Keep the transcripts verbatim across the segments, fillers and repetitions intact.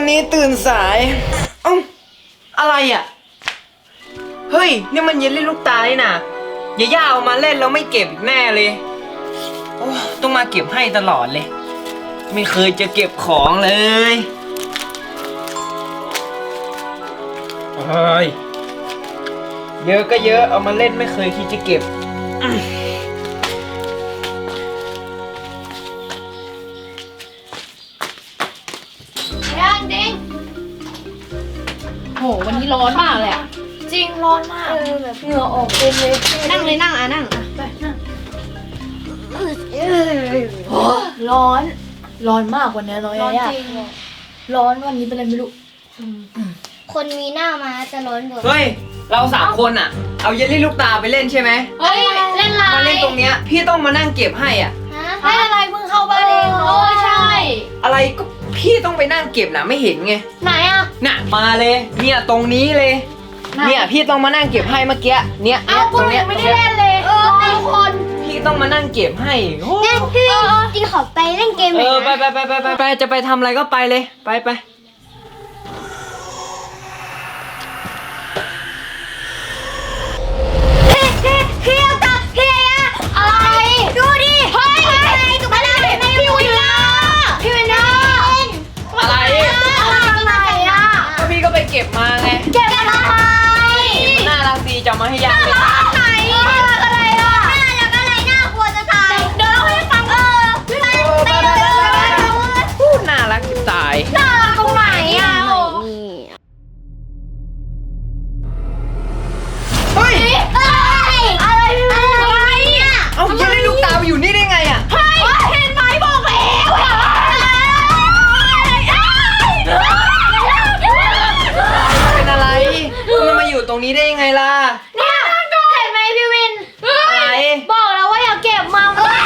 วันนี้ตื่นสายเอ้าอะไรอ่ะเฮ้ยนี่มันเยลลี่ลูกตาเลยนะอย่าย่าเอามาเล่นแล้วไม่เก็บอีกแน่เลยโอ้ต้องมาเก็บให้ตลอดเลยไม่เคยจะเก็บของเลยเฮ้ยเยอะก็เยอะเอามาเล่นไม่เคยคิดจะเก็บยังจริงโหวันนี้ร้อนมากเลยอะจริงร้อนมากเออแบบเหงื่อออกเต็มเลยนั่งเลยนั่งอ่ะนั่งอ่ะไปนั่งโอ้ร้อน ร้อนมากกว่านี้ร้อนร้อนยากจริงร้อนวันนี้เป็นอะไรไม่รู้คนมีหน้ามาจะร้อนกว่าเฮ้ยเราสามคนอ่ะเอาเยลลี่ลูกตาไปเล่นใช่ไหมเฮ้ยเล่นไรมาเล่นตรงเนี้ยพี่ต้องมานั่งเก็บให้อ่ะฮะไม่อะไรเพิ่งเข้าบ้านเองโอ้ใช่อะไรก็พี่ต้องไปนั่งเก็บนะไม่เห็นไงไหนอ่ะน่ะมาเลยเนี่ยตรงนี้เลย เนี่ยพี่ต้องมานั่งเก็บให้เมื่อกี้เนี่ยเอ้าเนี่ยคุตณรงเนี้ยยังไม่ได้เล่นเลยเออทุกคนพี่ต้องมานั่งเก็บให้โอ้งั้นพี่จริงขอไปเล่นเกมหเอน่อยอไปนะไปไปไปไปไปจะไปทำอะไรก็ไปเลยไปไปพี่พี่พี่เอาตาพี่อะอะไรดูดิเฮ้ยอะไรตุ๊กตาเป็นไงพี่วินล่าพี่วินล่าอะไรอะไรอะก็พี่ก็ไปเก็บมาไงเก็บอะไรมันน่ารักดีจะมาให้ยายไปไหนอะไรอะน่ารักอะไรน่ากลัวจะตายเดี๋ยวเราให้ฟังเออไปไปเลยพูดน่ารักจะตายน่ารักตรงไหนอะเฮ้ยอะไรอะไรอะเอาเยลลี่ลูกตาไปอยู่นี่ได้ไงอ่ะเฮ้ยเห็นไหมบอกแล้วเป็นอะไรมันมาอยู่ตรงนี้ได้ยังไงล่ะเนี่ยเห็นไหมพี่วินอะไรบอกแล้วว่าอย่าเก็บมา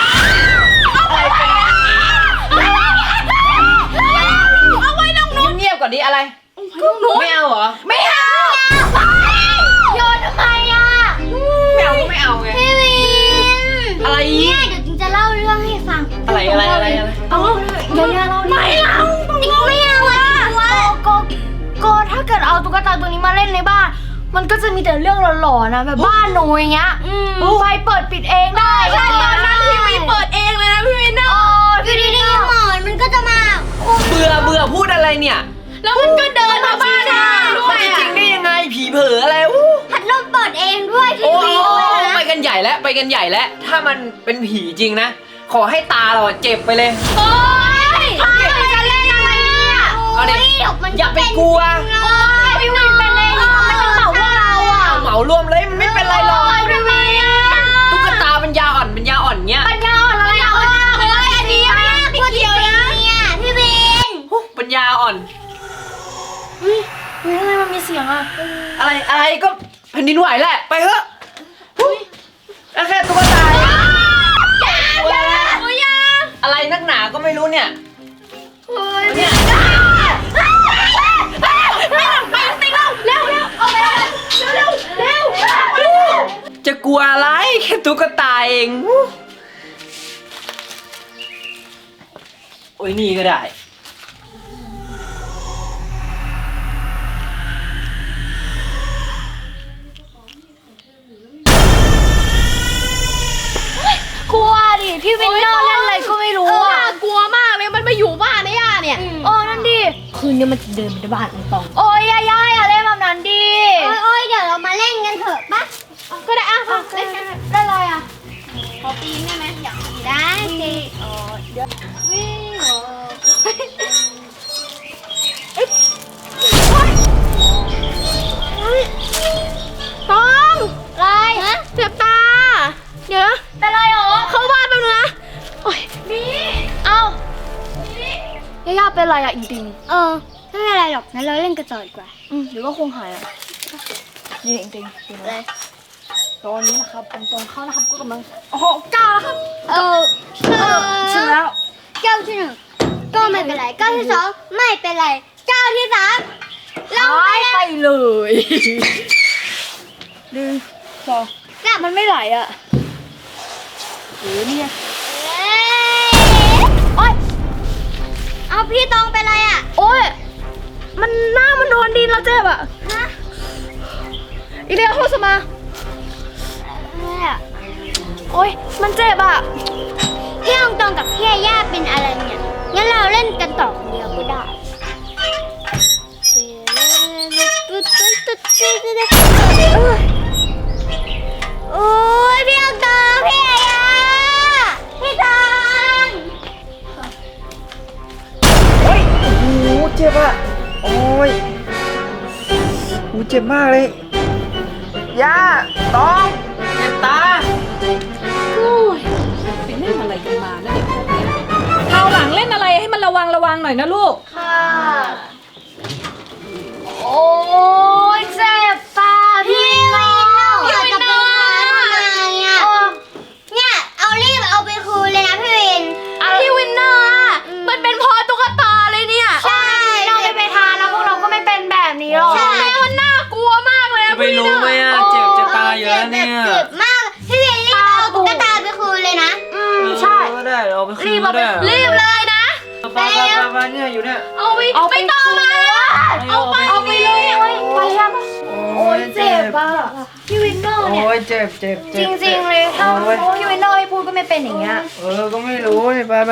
เอาไว้ตรงนู้นเงียบๆก่อนดิอะไรไม่เอาเหรอไม่เอาโยนทำไมอ่ะไม่เอาก็ไม่เอาไงพี่วินอะไรอีเนี่ยกเดี๋ยวจริงจะเล่าเรื่องให้ฟังอะไรอะไรอะไรอะไรเอาเดี๋ยวเล่าไม่เอาจริงไม่เอาอ่ะโกโกถ้าเกิดเอาตุ๊กตาตัวนี้มาเล่นในบ้าน มันก็จะมีแต่เรื่องหลอนๆนะแบบบ้านหนูอย่างเงี้ยไฟเปิดปิดเองได้ใช่ตอนนั้นทีวีเปิดเองเลยนะพี่วินเนาะอยู่ดีๆหมอนมันก็จะมาเบื่อเบื่อพูดอะไรเนี่ยแล้วมันก็เดินมาบ้านด้มัวน ยจะจริอ่ะงได้ยังไงผีเผลออะไรอู้พัดลมเปิดเองด้วยทีโอ้วีด้วยนะไปกันใหญ่แล้วไปกันใหญ่แล้วถ้ามันเป็นผีจริงนะขอให้ตาเราเจ็บไปเลยโอ๊ยพายมันจะเล่นอะไรเนี่ยเอาดิมันอย่าไปกลัวโอ๊ยพี่วินเป็นเลยมันจะเหมาพวกเราอ่ะเหมารวมเลยมันไม่เป็นไรหรอกพี่วินตุ๊กตาเป็นยาอ่อนเป็นยาอ่อนเงี้ยปัญญาอ่อนอะไรอ่ะเฮ้ยอันนี้ไม่ติดเกี่ยวนะเนี่ยพี่วินฮู้ปัญญาอ่อนเฮ้ยทำไมมันมีเสียงอ่ะอะไรอะไรก็แผ่นดินไหวแหละไปเถอะฮู้แล้วแค่ตุ๊กตาอะไรนักหนาก็ไม่รู้เนี่ยเนี่ย จะกลัวอะไรแค่ตุ๊กตาเองโอ้ยนี่ก็ได้กลัวดิพี่วินเนอร์เล่นอะไรก็ไม่รู้เอออ่ะน่ากลัวมากเลยมันมาอยู่บ้านนะย่าเนี่ยโอ้นั่นดิคืนนี้มันจะเดินไปในบ้านมันตองโอ้ยย่าย่าอย่าเล่นแบบนั้นดิโอ๊ยโอ๊ยเดี๋ยวเรามาเล่นกันเถอะปะก็ได้อ่ะมาเล่นกันได้อะไรอ่ะขอปีนได้ไหมอยากได้สิวิ่งโอ้ต้องอะไรฮะเจ็บตาเดี๋ยวนะเป็นไรหรอเข้าบ้านแป๊บนึงนะโอ้ยเอ้าย่าย่าเป็นอะไรอ่ะอีดิงเออไม่เป็นไรหรอกงั้นเราเล่นกันต่อดีกว่าอืมเดี๋ยวก็คงหายอ่ะนี่จริงๆจริงเลยตอนนี้นะครับตรงๆเข้านะครับก็กำลังโอ้โหก้าวแล้วครับเออเออถึงแล้วเก้าที่หนึ่งก็ไม่เป็นไรเก้าที่สองไม่เป็นไรเก้าที่สามเราหายไปไปแล้วเลยหนึ่งสองกลับมันไม่ไหลอ่ะโอ้เนี่ยเอ้ยโอ๊ยเอาพี่ตองเป็นไรอ่ะโอ้ยมันหน้ามันโดนดินเราเจ็บอ่ะอีเดียโฮสมาโอ๊ยมันเจ็บอ่ะพี่องตองกับพี่ย่าเป็นอะไรเนี่ยงั้นเราเล่นกันต่อคนเดียวก็ได้โอ้ยพี่องตองพี่ย่าพี่ตองเฮ้ยโอ้โหเจ็บอ่ะโอ้ยโอ้เจ็บมากเลยย่าต้องเจ็บตาไปเล่นอะไรกันมานะเด็กพวกเนี้ยคราวหลังเล่นอะไรให้มันระวังระวังหน่อยนะลูกค่ะโอ้ยเจ็บตาพี่น้องพี่วินทำไมอ่ะเนี่ยเอารีบเอาไปคืนเลยนะพี่วินพี่วินเนอร์อะมันเป็นเพอตุ๊กตาเลยเนี่ยใช่เราไม่ไปทานแล้วพวกเราก็ไม่เป็นแบบนี้หรอกใช่แม่มันน่ากลัวมากเลยจะไปรู้ไหมอ่ะเจ็บจะตายอยู่แล้วเนี่ยเจ็บมากพี่วินรีบเอาตุ๊กตาไปคืนเลยนะอืมใช่ก็ได้เราไปคืรีนบก็เอาไปได้รีบเลยนะไปไปไปไปเนี่ยอยู่เนี่ยเอาไปเอาไปต่อมาเอาไปเอาไปเลยไปยังโอ้ยเจ็บอ่ะพี่วินเนอร์เนี่ยโอ้ยเจ็บเจ็บจเจ็บริงๆเลยถ้าโอ้ยพี่วินเนอร์ไม่พูดก็ไม่เป็นอย่างเงี้ยเออก็ไม่รู้นี่ไปไป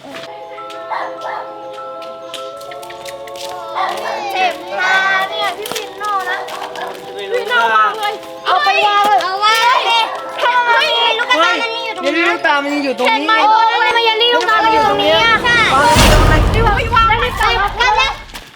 เจ็บตาเนี่ยพี่วินเนอร์นะไม่รู้ค่ะเอาไปวางเลยเอาไว้ทำไมลูกกระตามันมีอยู่ตรงเดี๋ยวนี้ลูกตามันยังอยู่ตรงเห็นนี้ไหมโอ้ยทำไมมันยันรีลูกตาเราอยู่ตรงนี้อ่ะใช่พี่วางพี่วางได้ไหมจ๊ะกันแล้ว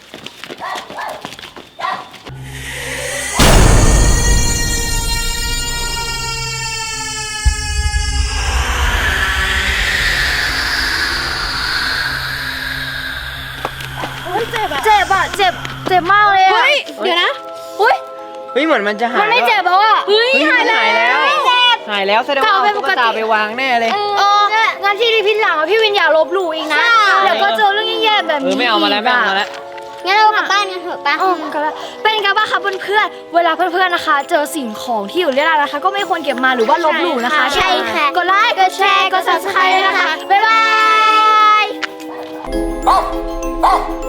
เจ็บอ่ะ เจ็บอ่ะ เจ็บ เจ็บมากเลยอ่ะเฮ้ย เดี๋ยวนะอุ้ยเฮ้ยเหมือนมันจะหายมันไม่เจ็บแล้วอ่ะเฮ้ยเฮ้ยหายมันแล้วหายแล้วหายแล้วแสดงว่าเอาก็เอาไปตุ๊กปกติตาไปวางแน่เลยเอองั้นที่ที่พี่หลังอ่ะพี่วินอย่าลบหลู่อีกนะ เดี๋ยวก็เจอเรื่องแย่ๆแบบเออนี้ไม่เอามาแล้วไม่เอามาแล้วงั้นเรากลับบ้านกันเถอะปะอ๋อก็แล้วเป็นไงบ้างคะเพื่อนๆ เวลาเพื่อนๆนะคะ เจอสิ่งของที่อยู่เรียรานะคะ ก็ไม่ควรเก็บมาหรือว่าลบหลู่นะคะใช่ค่ะกดไลค์ กดแชร์ กด ซับสไครบ์ นะคะ บ๊ายบาย